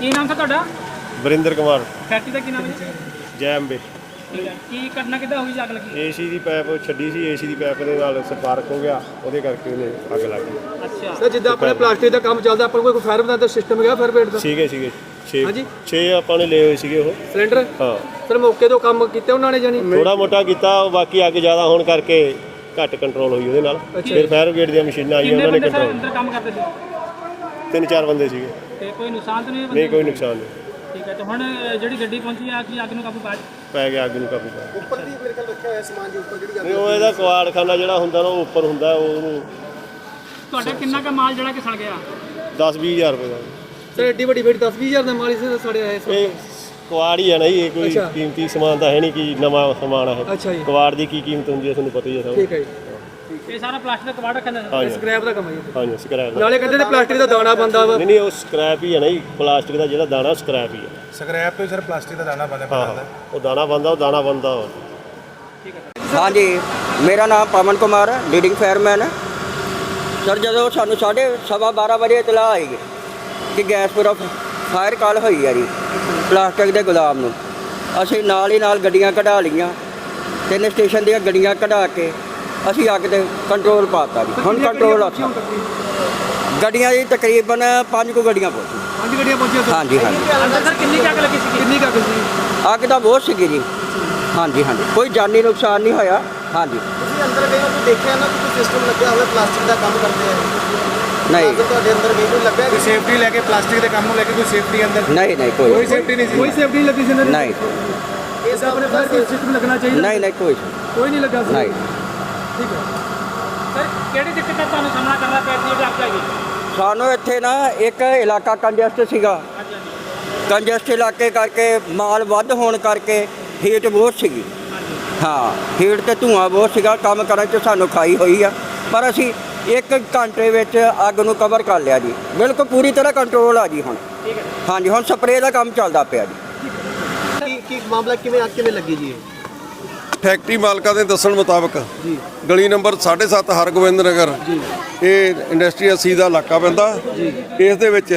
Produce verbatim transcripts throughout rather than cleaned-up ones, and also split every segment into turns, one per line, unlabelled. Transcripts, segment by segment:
ਕੀ ਨਾਮ ਸੀ ਤੁਹਾਡਾ?
ਵਰਿੰਦਰ ਕੁਮਾਰ।
ਫੈਕਟਰੀ ਦਾ ਕੀ ਨਾਮ ਹੈ?
ਜੈ ਅੰਬੇ।
ਕੀ ਕਰਨਾ ਕਿੱਦਾਂ ਹੋਈ ਅੱਗ ਲੱਗੀ?
ਏਸੀ ਦੀ ਪਾਈਪ ਛੱਡੀ ਸੀ, ਏਸੀ ਦੀ ਪਾਈਪ ਦੇ ਨਾਲ ਸਪਾਰਕ ਹੋ ਗਿਆ, ਉਹਦੇ ਕਰਕੇ ਉਹਨੇ ਅੱਗ ਲੱਗ ਗਈ।
ਅੱਛਾ
ਸਰ, ਜਿੱਦਾਂ ਆਪਣੇ ਪਲਾਸਟਿਕ ਦਾ ਕੰਮ ਚੱਲਦਾ, ਆਪਾਂ ਕੋਈ ਫਾਇਰ ਬ੍ਰਿਗੇਡ ਦਾ ਸਿਸਟਮ ਹੈਗਾ? ਫਾਇਰ ਬ੍ਰਿਗੇਡ ਦਾ
ਸੀਗੇ ਸੀਗੇ ਛੇ
ਹਾਂਜੀ
ਛੇ ਆਪਾਂ ਨੇ ਲਏ ਹੋਏ ਸੀਗੇ ਉਹ
ਸਿਲੰਡਰ।
ਹਾਂ
ਸਰ, ਮੌਕੇ ਤੋਂ ਕੰਮ ਕੀਤੇ ਉਹਨਾਂ ਨੇ ਜਾਨੀ
ਥੋੜਾ ਮੋਟਾ ਕੀਤਾ, ਬਾਕੀ ਅੱਗ ਜ਼ਿਆਦਾ ਹੋਣ ਕਰਕੇ ਘੱਟ ਕੰਟਰੋਲ ਹੋਈ ਉਹਦੇ ਨਾਲ। ਫਿਰ ਫਾਇਰ ਬ੍ਰਿਗੇਡ ਦੀਆਂ ਮਸ਼ੀਨਾਂ ਆਈਆਂ, ਉਹਨਾਂ ਨੇ
ਕਿੰਨੇ ਬੰਦੇ
ਕੰਟਰੋਲ।
ਅੰਦਰ ਕੰਮ ਕਰਦੇ ਸੀ?
ਤਿੰਨ ਚਾਰ ਬੰਦੇ ਸੀਗੇ।
ਤੇ ਕੋਈ ਨੁਕਸਾਨ ਤਾਂ ਨਹੀਂ?
ਨਹੀਂ, ਕੋਈ ਨੁਕਸਾਨ ਨਹੀਂ।
ਠੀਕ ਹੈ। ਤੇ ਹੁਣ ਜਿਹੜੀ ਗੱਡੀ ਪਹੁੰਚੀ ਆ ਕੀ ਅੱਗ ਨੂੰ ਕਾਬੂ ਪਾ
ਪੈ ਗਿਆ, ਅੱਗ ਨੂੰ ਕਾਬੂ ਪਾ ਗਿਆ।
ਉੱਪਰ ਦੀ ਮੇਰੇ ਖਿਆਲ ਰੱਖਿਆ ਹੋਇਆ ਸਮਾਨ ਦੇ ਉੱਪਰ ਜਿਹੜੀ
ਨਹੀਂ, ਉਹ ਇਹਦਾ ਕਵਾੜਖਾਨਾ ਜਿਹੜਾ ਹੁੰਦਾ ਨਾ, ਉਹ ਉੱਪਰ ਹੁੰਦਾ, ਉਹਨੂੰ
ਤੁਹਾਡਾ ਕਿੰਨਾ ਕੁ ਮਾਲ ਜਿਹੜਾ ਕਿ ਸੜ ਗਿਆ?
ਦਸ ਵੀਹ ਹਜ਼ਾਰ ਰੁਪਏ ਦਾ।
ਸਰ, ਐਡੀ ਵੱਡੀ ਫੇਟ ਦਸ ਵੀਹ ਹਜ਼ਾਰ ਦਾ ਮਾਲ ਇਸ ਸੜਿਆ ਹੈ।
ਇਹ ਕਵਾੜ ਹੀ ਹੈ ਨਾ ਜੀ, ਇਹ ਕੋਈ
ਅੱਛਾ।
ਕੀਮਤੀ ਸਮਾਨ ਤਾਂ ਹੈ ਨਹੀਂ ਕਿ ਨਵਾਂ ਸਮਾਨ ਹੈ।
ਅੱਛਾ ਜੀ,
ਕਵਾੜ ਦੀ ਕੀ ਕੀਮਤ ਹੁੰਦੀ ਹੈ ਤੁਹਾਨੂੰ ਪਤਾ ਹੀ ਹੈ ਸਭ।
ਠੀਕ ਹੈ ਜੀ।
ਇਹ ਸਾਰਾ ਪਲਾਸਟਿਕ ਦਾ ਕਬਾੜ ਰੱਖਿਆ ਹੁੰਦਾ?
ਹਾਂਜੀ
ਸਕ੍ਰੈਪ ਦਾ ਕੰਮ ਹੈ ਜੀ।
ਹਾਂਜੀ, ਸਕ੍ਰੈਪ ਦਾ।
ਨਾਲੇ ਕਹਿੰਦੇ ਨੇ ਪਲਾਸਟਿਕ ਦਾ ਦਾਣਾ ਬੰਦਾ ਵਾ।
ਨਹੀਂ ਨਹੀਂ, ਉਹ ਸਕ੍ਰੈਪ ਹੀ ਹੈ ਨਾ ਜੀ, ਪਲਾਸਟਿਕ ਦਾ ਜਿਹੜਾ ਦਾਣਾ ਸਕ੍ਰੈਪ ਹੀ ਹੈ।
ਸਕ੍ਰੈਪ ਤੋਂ ਸਰ ਪਲਾਸਟਿਕ ਦਾ ਦਾਣਾ ਬਣਦਾ
ਹਾਂ, ਉਹ ਦਾਣਾ ਬਣਦਾ, ਉਹ ਦਾਣਾ ਬਣਦਾ।
हाँ जी, मेरा नाम पवन कुमार है, लीडिंग फायरमैन है। सर, जो सानू साढ़े सवा बारह बजे इतला आई कि गैसपुरा फायर कॉल हुई है जी प्लास्टिक के गुलाम नूं। असीं नाल ही नाल गड्डियां कढा लईआं, तीन स्टेशन दीआं गड्डियां कढा के असीं अग ते कंट्रोल पाता जी। हुण कंट्रोल अच्छा गड्डियां जी तकरीबन पाँच को गड्डियां पहुंची।
ਪੰਜ ਗੱਡੀਆਂ ਪਹੁੰਚੀਆਂ ਸਰ।
हाँ जी हाँ जी।
ਅੰਦਰ ਸਰ ਕਿੰਨੀ ਕੁ ਅੱਗ ਲੱਗੀ ਸੀ?
ਕਿੰਨੀ ਕੁ ਅੱਗ ਸੀ?
अग तो बहुत सी जी। हाँ जी हाँ जी, कोई जानी नुकसान नहीं होया। हाँ जी।
ਤੁਸੀਂ ਅੰਦਰ ਗਏ ਹੋ ਤਾਂ ਦੇਖਿਆ ਨਾ ਕਿ ਕੋਈ ਸਿਸਟਮ ਲੱਗਿਆ ਹੋਇਆ ਪਲਾਸਟਿਕ ਦਾ ਕੰਮ ਕਰਦੇ ਆ?
नहीं
ਤੁਹਾਡੇ ਅੰਦਰ ਗਏ ਕੋਈ ਲੱਗਾ
ਕੋਈ ਸੇਫਟੀ ਲੈ ਕੇ ਪਲਾਸਟਿਕ ਦੇ ਕੰਮ ਨੂੰ ਲੈ ਕੇ ਕੋਈ ਸੇਫਟੀ ਅੰਦਰ
नहीं नहीं
ਕੋਈ
कोई
ਸੇਫਟੀ ਨਹੀਂ ਸੀ।
ਕੋਈ ਸੇਫਟੀ ਨਹੀਂ ਲੱਗੀ ਸੀ ਇਹਨਾਂ ਦੀ?
नहीं
ਇਸ ਆਪਣੇ ਫਾਇਰ ਸਿਸਟਮ ਲੱਗਣਾ ਚਾਹੀਦਾ।
नहीं नहीं कोई
ਕੋਈ ਨਹੀਂ ਲੱਗਾ ਸੀ।
नहीं।
ਠੀਕ ਹੈ
ਸਰ ਕਿਹੜੀ ਦਿੱਕਤ ਦਾ ਤੁਹਾਨੂੰ ਸਾਹਮਣਾ ਕਰਨਾ ਪਿਆ ਸੀ ਜਿਹੜੀ ਅੱਗ ਲੱਗੀ?
ਸਾਨੂੰ ਇੱਥੇ ਨਾ ਇੱਕ ਇਲਾਕਾ ਕੰਜਸਟ ਸੀਗਾ। ਕੰਜਸਟ ਇਲਾਕੇ ਕਰਕੇ ਮਾਲ ਵੱਧ ਹੋਣ ਕਰਕੇ ਹੀਟ ਬਹੁਤ ਸੀਗੀ। ਹਾਂ, ਹੀਟ ਤੇ ਧੂਆਂ ਬਹੁਤ ਸੀਗਾ, ਕੰਮ ਕਰਨ 'ਚ ਸਾਨੂੰ ਖਾਈ ਹੋਈ ਆ। ਪਰ ਅਸੀਂ ਇੱਕ ਘੰਟੇ ਵਿੱਚ ਅੱਗ ਨੂੰ ਕਵਰ ਕਰ ਲਿਆ ਜੀ, ਬਿਲਕੁਲ ਪੂਰੀ ਤਰ੍ਹਾਂ ਕੰਟਰੋਲ ਆ ਜੀ ਹੁਣ।
ਠੀਕ ਹੈ।
ਹਾਂਜੀ, ਹੁਣ ਸਪਰੇਅ ਦਾ ਕੰਮ ਚੱਲਦਾ ਪਿਆ ਜੀ।
ਕੀ ਕੀ ਮਾਮਲਾ ਕਿਵੇਂ ਅੱਗ ਕਿਵੇਂ ਲੱਗੀ ਜੀ?
ਫੈਕਟਰੀ ਮਾਲਕਾਂ ਦੇ ਦੱਸਣ ਮੁਤਾਬਕ
ਜੀ
ਗਲੀ ਨੰਬਰ ਸਾਢੇ ਸੱਤ ਹਰਗੋਬਿੰਦ ਨਗਰ, ਇਹ ਇੰਡਸਟਰੀ ਅੱਸੀ ਦਾ ਇਲਾਕਾ ਪੈਂਦਾ। ਇਸ ਦੇ ਵਿੱਚ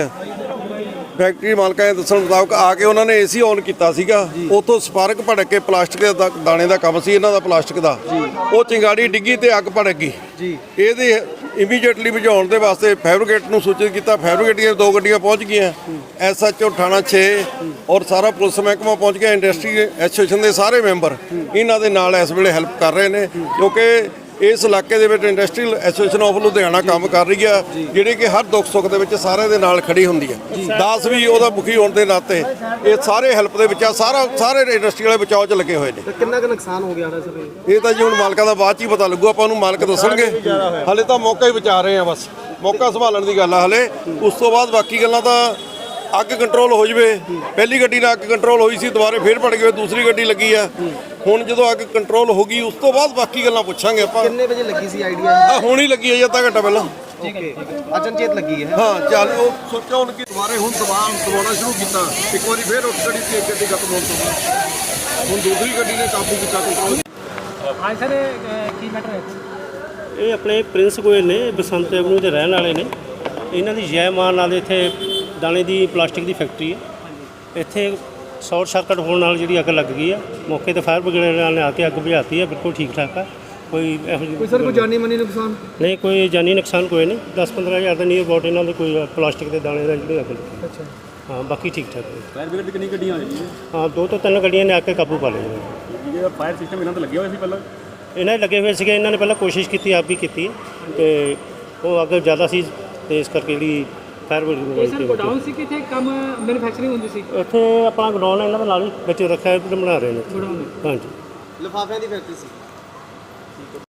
ਫੈਕਟਰੀ ਮਾਲਕਾਂ ਦੇ ਦੱਸਣ ਮੁਤਾਬਕ ਆ ਕੇ ਉਹਨਾਂ ਨੇ ਏਸੀ ਔਨ ਕੀਤਾ ਸੀਗਾ। ਉੱਥੋਂ ਸਪਾਰਕ ਭੜਕ ਕੇ ਪਲਾਸਟਿਕ ਦਾ ਦਾਣੇ ਦਾ ਕੰਮ ਸੀ ਇਹਨਾਂ ਦਾ, ਪਲਾਸਟਿਕ ਦਾ। ਉਹ ਚਿੰਗਾੜੀ ਡਿੱਗੀ ਤੇ ਅੱਗ ਭੜਕ ਗਈ
ਜੀ।
ਇਹਦੇ ਇਮੀਡੀਏਟਲੀ ਬੁਝਾਉਣ ਦੇ ਵਾਸਤੇ ਫਾਇਰ ਬ੍ਰਿਗੇਡ ਨੂੰ ਸੂਚਿਤ ਕੀਤਾ। ਫਾਇਰ ਬ੍ਰਿਗੇਡ ਦੀਆਂ ਦੋ ਗੱਡੀਆਂ ਪਹੁੰਚ ਗਈਆਂ, ਐਸ ਐਚ ਓ ਥਾਣਾ ਛੇ ਔਰ ਸਾਰਾ ਪੁਲਿਸ ਮਹਿਕਮਾ ਪਹੁੰਚ ਗਿਆ। ਇੰਡਸਟਰੀ ਐਸੋਸੀਏਸ਼ਨ ਦੇ ਸਾਰੇ ਮੈਂਬਰ ਇਹਨਾਂ ਦੇ ਨਾਲ ਇਸ ਵੇਲੇ ਹੈਲਪ ਕਰ ਰਹੇ ਨੇ, ਕਿਉਂਕਿ ਇਸ ਇਲਾਕੇ ਦੇ ਵਿੱਚ ਇੰਡਸਟਰੀਅਲ ਐਸੋਸੀਏਸ਼ਨ ਆਫ ਲੁਧਿਆਣਾ ਕੰਮ ਕਰ ਰਹੀ ਆ, ਜਿਹੜੀ ਕਿ ਹਰ ਦੁੱਖ ਸੁੱਖ ਦੇ ਵਿੱਚ ਸਾਰਿਆਂ ਦੇ ਨਾਲ ਖੜੀ ਹੁੰਦੀ ਹੈ। ਦਾਸ ਵੀ ਉਹਦਾ ਮੁਖੀ ਹੋਣ ਦੇ ਨਾਤੇ ਇਹ ਸਾਰੇ ਹੈਲਪ ਦੇ ਵਿੱਚ ਆ, ਸਾਰਾ ਸਾਰੇ ਇੰਡਸਟਰੀ ਵਾਲੇ ਬਚਾਓ 'ਚ ਲੱਗੇ ਹੋਏ ਨੇ।
ਤੇ ਕਿੰਨਾ ਕੁ ਨੁਕਸਾਨ ਹੋ ਗਿਆ ਸਰ?
ਇਹ ਤਾਂ ਜੀ ਹੁਣ ਮਾਲਕਾਂ ਦਾ ਬਾਅਦ 'ਚ ਹੀ ਪਤਾ ਲੱਗੂ, ਆਪਾਂ ਨੂੰ ਮਾਲਕ ਦੱਸਣਗੇ। ਹਾਲੇ ਤਾਂ ਮੌਕਾ ਹੀ ਬਚਾ ਰਹੇ ਆ, ਬਸ ਮੌਕਾ ਸੰਭਾਲਣ ਦੀ ਗੱਲ ਆ ਹਲੇ। ਉਸ ਤੋਂ ਬਾਅਦ ਬਾਕੀ ਗੱਲਾਂ ਤਾਂ ਅੱਗ ਕੰਟਰੋਲ ਹੋ ਜਵੇ। ਪਹਿਲੀ ਗੱਡੀ ਨਾਲ ਅੱਗ ਕੰਟਰੋਲ ਹੋਈ ਸੀ, ਦੁਬਾਰੇ ਫੇਰ ਭੜ ਗਏ, ਦੂਸਰੀ ਗੱਡੀ ਲੱਗੀ ਆ। ਹੁਣ ਜਦੋਂ ਅੱਗ ਕੰਟਰੋਲ ਹੋ ਗਈ ਉਸ ਤੋਂ ਬਾਅਦ ਬਾਕੀ ਗੱਲਾਂ ਪੁੱਛਾਂਗੇ ਆਪਾਂ।
ਕਿੰਨੇ ਵਜੇ ਲੱਗੀ ਸੀ ਆਈਡੀਆ?
ਆ ਹੁਣ ਹੀ ਲੱਗੀ ਹੈ ਜੀ, ਅੱਧਾ ਘੰਟਾ ਪਹਿਲਾਂ।
ਓਕੇ, ਅਚਨਚੇਤ ਲੱਗੀ ਹੈ।
ਹਾਂ, ਚੱਲ ਉਹ ਸੋਚਿਆ ਹੁਣ ਕਿ ਦੁਬਾਰੇ ਹੁਣ ਦਬਾਅ ਦਬਾਉਣਾ ਸ਼ੁਰੂ ਕੀਤਾ। ਇੱਕ ਵਾਰੀ ਫੇਰ ਉੱਠ ਗੱਡੀ ਤੇ ਗੱਡੀ ਖਤਮ ਹੋਣ ਤੋਂ ਬਾਅਦ ਹੁਣ ਦੂਸਰੀ ਗੱਡੀ ਨੇ ਕਾਬੂ ਕੀਤਾ ਕੰਟਰੋਲ।
ਹਾਂ ਸਰ, ਕੀ ਮੈਟਰ ਹੈ?
ਇਹ ਆਪਣੇ ਪ੍ਰਿੰਸ ਗੋਇਲ ਨੇ, ਬਸੰਤ ਐਵਨਿਊ ਦੇ ਰਹਿਣ ਵਾਲੇ ਨੇ। ਇਹਨਾਂ ਦੀ ਜੈ ਮਾਨ ਨਾਲ ਇੱਥੇ ਦਾਣੇ ਦੀ ਪਲਾਸਟਿਕ ਦੀ ਫੈਕਟਰੀ ਹੈ। ਇੱਥੇ ਸ਼ਾਰਟ ਸਰਕਟ ਹੋਣ ਨਾਲ ਜਿਹੜੀ ਅੱਗ ਲੱਗ ਗਈ ਆ। ਮੌਕੇ ਤੇ ਫਾਇਰ ਬ੍ਰਿਗੇਡ ਵਾਲਿਆਂ ਨੇ ਆ ਕੇ ਅੱਗ ਬੁਝਾਤੀ ਹੈ, ਬਿਲਕੁਲ ਠੀਕ ਠਾਕ ਆ। ਕੋਈ ਇਹੋ ਜਿਹੀ
ਕੋਈ ਸਰ ਕੋਈ ਜਾਨੀ ਮਾਨੀ ਨੁਕਸਾਨ?
ਨਹੀਂ, ਕੋਈ ਜਾਨੀ ਨੁਕਸਾਨ ਕੋਈ ਨਹੀਂ। ਦਸ ਪੰਦਰਾਂ ਹਜ਼ਾਰ ਦਾ ਨਹੀਂ ਅਬਾਊਟ ਇਹਨਾਂ ਦੇ ਕੋਈ ਪਲਾਸਟਿਕ ਦੇ ਦਾਣੇ ਦਾ ਜਿਹੜੀ ਅੱਗ ਲੱਗੀ।
ਅੱਛਾ,
ਹਾਂ, ਬਾਕੀ ਠੀਕ ਠਾਕ ਹੈ।
ਫਾਇਰ ਬ੍ਰਿਗੇਡ ਦੀ ਕਿੰਨੀ ਗੱਡੀਆਂ ਆ ਜੀ?
ਹਾਂ, ਦੋ ਤੋਂ ਤਿੰਨ ਗੱਡੀਆਂ ਨੇ ਆ ਕੇ ਕਾਬੂ ਪਾ ਲਿਆ ਜੀ।
ਜਿਹੜਾ ਫਾਇਰ ਸਿਸਟਮ ਇਹਨਾਂ ਤੇ ਲੱਗਿਆ ਹੋਇਆ ਸੀ ਪਹਿਲਾਂ?
ਇਹਨਾਂ ਦੇ ਲੱਗੇ ਹੋਏ ਸੀਗੇ, ਇਹਨਾਂ ਨੇ ਪਹਿਲਾਂ ਕੋਸ਼ਿਸ਼ ਕੀਤੀ, ਆਪ ਵੀ ਕੀਤੀ, ਤੇ ਉਹ ਅੱਗ ਜ਼ਿਆਦਾ ਸੀ ਤੇ ਇਸ ਕਰਕੇ ਜਿਹੜੀ ਫਾਇਰ
ਇਹ ਸਰ ਗੋਡਾਊਨ ਸੀ ਕਿ ਇੱਥੇ ਕੰਮ ਮੈਨੂਫੈਕਚਰਿੰਗ ਹੁੰਦੀ ਸੀ?
ਇੱਥੇ ਆਪਣਾ ਗੋਡਾਊਨ ਇਹਨਾਂ ਦੇ ਨਾਲ ਹੀ ਵਿੱਚ ਰੱਖਿਆ ਬਣਾ ਰਹੇ ਨੇ।
ਗੋਡਾਊਨ?
ਹਾਂਜੀ।
ਲਿਫਾਫਿਆਂ ਦੀ ਫੈਕਟਰੀ ਸੀ?